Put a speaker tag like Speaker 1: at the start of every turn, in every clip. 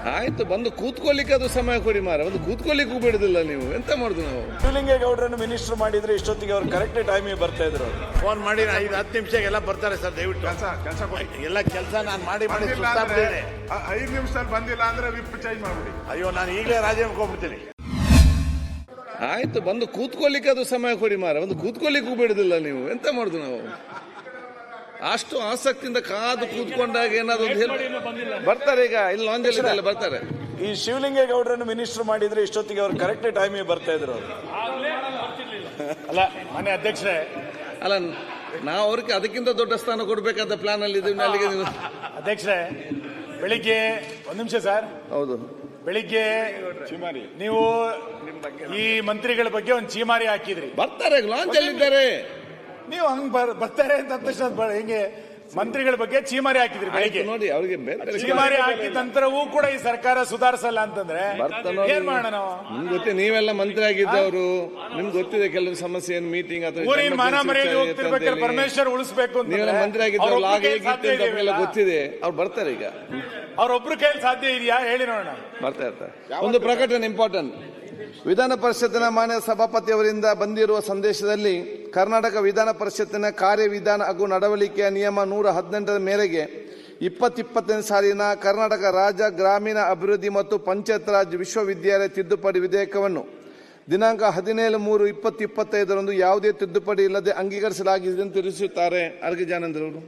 Speaker 1: ಆಯ್ತು, ಬಂದು ಕೂತ್ಕೊಳ್ಳಿಕ್ಕೆ ಅದು ಸಮಯ ಕೊಡಿ ಮಾರ. ಒಂದು ಕೂತ್ಕೊಳ್ಳಿಕ್ಕೂ ಬಿಡುದಿಲ್ಲ, ನೀವು ಎಂತ ಮಾಡುದು? ನಾವು
Speaker 2: ಶಿವಲಿಂಗೇಗೌಡರನ್ನು ಮಿನಿಸ್ಟರ್ ಮಾಡಿದ್ರೆ ಇಷ್ಟೊತ್ತಿಗೆ ಅವ್ರು ಕರೆಕ್ಟ್ ಟೈಮಿಗೆ ಬರ್ತಾ ಇದ್ರು.
Speaker 3: ಫೋನ್ ಮಾಡಿ 5-10 ನಿಮಿಷಕ್ಕೆ ಎಲ್ಲ ಬರ್ತಾರೆ ಸರ್. ದಯವಿಟ್ಟು ಎಲ್ಲ ಕೆಲಸ ನಾನು ಮಾಡಿ ಸುಸ್ತಾಗ್ಬಿಟ್ಟಿದ್ದೇನೆ.
Speaker 4: 5 ನಿಮಿಷದಲ್ಲಿ ಬಂದಿಲ್ಲ ಅಂದ್ರೆ ವಿಪ್ ಚೇಂಜ್ ಮಾಡ್ಬಿಡಿ.
Speaker 3: ಅಯ್ಯೋ, ನಾನು ಈಗಲೇ ರಾಜೀನಾಮೆ ಹೋಗ್ಬಿಡ್ತೀನಿ.
Speaker 1: ಆಯ್ತು, ಬಂದು ಕೂತ್ಕೊಳ್ಳಿಕ್ಕೆ ಅದು ಸಮಯ ಕೊಡಿ ಮಾರ. ಒಂದು ಕೂತ್ಕೊಳ್ಳಿಕ್ಕೂ ಬಿಡುದಿಲ್ಲ, ನೀವು ಎಂತ ಮಾಡುದು? ನಾವು ಅಷ್ಟು ಆಸಕ್ತಿಯಿಂದ ಕಾದು ಕೂತ್ಕೊಂಡಾಗ ಏನಾದ್ರು ಬರ್ತಾರೆ. ಈಗ ಇಲ್ಲಿ ಲಾಂಜಲ್ಲಿ ಬರ್ತಾರೆ.
Speaker 2: ಈ ಶಿವಲಿಂಗೇಗೌಡರನ್ನು ಮಿನಿಸ್ಟರ್ ಮಾಡಿದ್ರೆ ಇಷ್ಟೊತ್ತಿಗೆ ಅವ್ರು ಕರೆಕ್ಟ್ ಟೈಮಿಗೆ ಬರ್ತಾ ಇದ್ರು.
Speaker 3: ಅಲ್ಲ ಮಾನ್ಯ ಅಧ್ಯಕ್ಷರೇ,
Speaker 1: ಅಲ್ಲ ನಾವು ಅವ್ರಿಗೆ ಅದಕ್ಕಿಂತ ದೊಡ್ಡ ಸ್ಥಾನ ಕೊಡ್ಬೇಕಾದ ಪ್ಲಾನ್ ಅಲ್ಲಿ ಇದೀವಿ. ಅಲ್ಲಿಗೆ ನೀವು
Speaker 3: ಅಧ್ಯಕ್ಷರೇ, ಬೆಳಿಗ್ಗೆ 1 ನಿಮಿಷ ಸರ್.
Speaker 1: ಹೌದು,
Speaker 3: ಬೆಳಿಗ್ಗೆ ನೀವು ಈ ಮಂತ್ರಿಗಳ ಬಗ್ಗೆ ಒಂದು ಚೀಮಾರಿ ಹಾಕಿದ್ರಿ.
Speaker 1: ಬರ್ತಾರೆ, ಲಾಂಚ್ ಅಲ್ಲಿ ಇದ್ದಾರೆ.
Speaker 3: ನೀವು ಹಂಗ್ ಬರ್ತಾರೆ ಅಂತ ತಕ್ಷಣ ಹಿಂಗೆ ಮಂತ್ರಿಗಳ ಬಗ್ಗೆ ಚೀಮಾರಿ ಹಾಕಿದ್ರಿ ಬೆಳಿಗ್ಗೆ.
Speaker 1: ನೋಡಿ, ಅವ್ರಿಗೆ
Speaker 3: ಚೀಮಾರಿ ಹಾಕಿದ ನಂತರವೂ ಕೂಡ ಈ ಸರ್ಕಾರ ಸುಧಾರಿಸಲ್ಲ ಅಂತಂದ್ರೆ ಏನ್ ಮಾಡೋಣ ನಾವು?
Speaker 1: ನಿಮ್ಗೆ ಗೊತ್ತೇ, ನೀವೆಲ್ಲ ಮಂತ್ರಿ ಆಗಿದ್ದವರು, ನಿಮ್ಗೆ ಗೊತ್ತಿದೆ ಕೆಲವು ಸಮಸ್ಯೆ, ಏನು ಮೀಟಿಂಗ್ ಅಥವಾ
Speaker 3: ಊರಿನ ಮಾನ ಮರ್ಯಾದೆ ಹೋಗ್ತಿರ್ಬೇಕಾದ್ರೆ ಪರಮೇಶ್ವರ್ ಉಳಿಸಬೇಕು ಅಂತ
Speaker 1: ನೀವೆಲ್ಲ ಮಂತ್ರಿ ಆಗಿದ್ದವ್ರು ಹೇಗಿತ್ತು ಗೊತ್ತಿದೆ. ಅವ್ರು ಬರ್ತಾರೆ. ಈಗ
Speaker 3: ಅವ್ರೊಬ್ರು ಕೈಲಿ ಸಾಧ್ಯ ಇದೆಯಾ ಹೇಳಿ ನೋಡೋಣ.
Speaker 1: ಬರ್ತಾ ಇರ್ತಾರೆ. ಒಂದು ಪ್ರಕಟಣೆ ಇಂಪಾರ್ಟೆಂಟ್. ವಿಧಾನ ಪರಿಷತ್ತಿನ ಮಾನ್ಯ ಸಭಾಪತಿಯವರಿಂದ ಬಂದಿರುವ ಸಂದೇಶದಲ್ಲಿ ಕರ್ನಾಟಕ ವಿಧಾನ ಪರಿಷತ್ತಿನ ಕಾರ್ಯವಿಧಾನ ಹಾಗೂ ನಡವಳಿಕೆಯ ನಿಯಮ 118 ಮೇರೆಗೆ 2020 ಸಾಲಿನ ಕರ್ನಾಟಕ ರಾಜ್ಯ ಗ್ರಾಮೀಣ ಅಭಿವೃದ್ಧಿ ಮತ್ತು ಪಂಚಾಯತ್ ರಾಜ್ ವಿಶ್ವವಿದ್ಯಾಲಯ ತಿದ್ದುಪಡಿ ವಿಧೇಯಕವನ್ನು ದಿನಾಂಕ 17/3/2025 ಯಾವುದೇ ತಿದ್ದುಪಡಿ ಇಲ್ಲದೆ ಅಂಗೀಕರಿಸಲಾಗಿದೆ ಎಂದು ತಿಳಿಸುತ್ತಾರೆ. ಅರ್ಗಿ ಜಾನಂದ್ರ ಅವರು.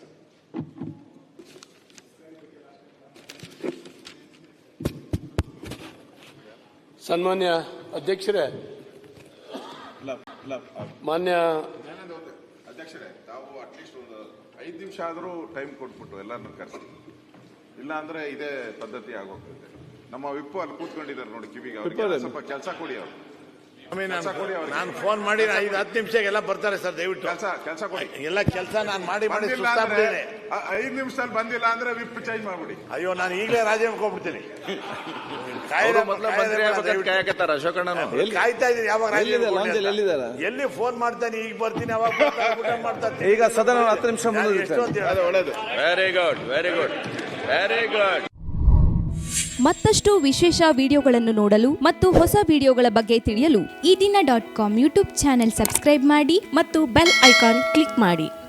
Speaker 5: ಸನ್ಮಾನ್ಯ ಅಧ್ಯಕ್ಷರೇ, ಮಾನ್ಯ
Speaker 4: ಅಧ್ಯಕ್ಷರೇ, ತಾವು ಅಟ್ಲೀಸ್ಟ್ ಒಂದು 5 ನಿಮಿಷ ಆದರೂ ಟೈಮ್ ಕೊಟ್ಬಿಟ್ಟು ಎಲ್ಲರನ್ನು ಕರೆಸಿ. ಇಲ್ಲ ಅಂದ್ರೆ ಇದೇ ಪದ್ಧತಿ ಆಗೋಗ್ತದೆ. ನಮ್ಮ ವಿಪ್ಪು ಅಲ್ಲಿ ಕೂತ್ಕೊಂಡಿದ್ದಾರೆ ನೋಡಿ, ಕಿವಿಗೆ ಅವ್ರಿಗೆ ಸ್ವಲ್ಪ ಕೆಲಸ ಕೊಡಿ. ಅವರು
Speaker 3: ನಾನು ಫೋನ್ ಮಾಡಿ 5-10 ನಿಮಿಷಕ್ಕೆ ಎಲ್ಲ ಬರ್ತಾರೆ ಸರ್. ದಯವಿಟ್ಟು
Speaker 4: ಕೆಲಸ ಕೊಡಿ.
Speaker 3: ಎಲ್ಲ ಕೆಲಸ ನಾನು ಮಾಡಿ ಸುಸ್ತಾಗ್ಬಿಟ್ಟಿದ್ದೇನೆ.
Speaker 4: 5 ನಿಮಿಷದಲ್ಲಿ ಬಂದಿಲ್ಲ ಅಂದ್ರೆ ವಿಪ್ ಚೇಂಜ್ ಮಾಡ್ಬಿಡಿ.
Speaker 3: ಅಯ್ಯೋ, ನಾನು ಈಗಲೇ ರಾಜೀನಾಮೆ ಹೋಗ್ಬಿಡ್ತೀನಿ. ಕಾಯ್ತಾ ಇದ್ದೀನಿ ಯಾವಾಗ ಎಲ್ಲಿ ಫೋನ್ ಮಾಡ್ತಾನೆ. ಈಗ ಬರ್ತೀನಿ, ಅವಾಗ ಮಾಡ್ತಾನೆ.
Speaker 1: ಈಗ ಸದನ 10 ನಿಮಿಷ
Speaker 3: ಒಳ್ಳೇದು.
Speaker 1: Very good, very good, very good.
Speaker 6: ಮತ್ತಷ್ಟು ವಿಶೇಷ ವಿಡಿಯೋಗಳನ್ನು ನೋಡಲು ಮತ್ತು ಹೊಸ ವಿಡಿಯೋಗಳ ಬಗ್ಗೆ ತಿಳಿಯಲು ಈ ದಿನ .com ಯೂಟ್ಯೂಬ್ ಚಾನೆಲ್ ಸಬ್ಸ್ಕ್ರೈಬ್ ಮಾಡಿ ಮತ್ತು ಬೆಲ್ ಐಕಾನ್ ಕ್ಲಿಕ್ ಮಾಡಿ.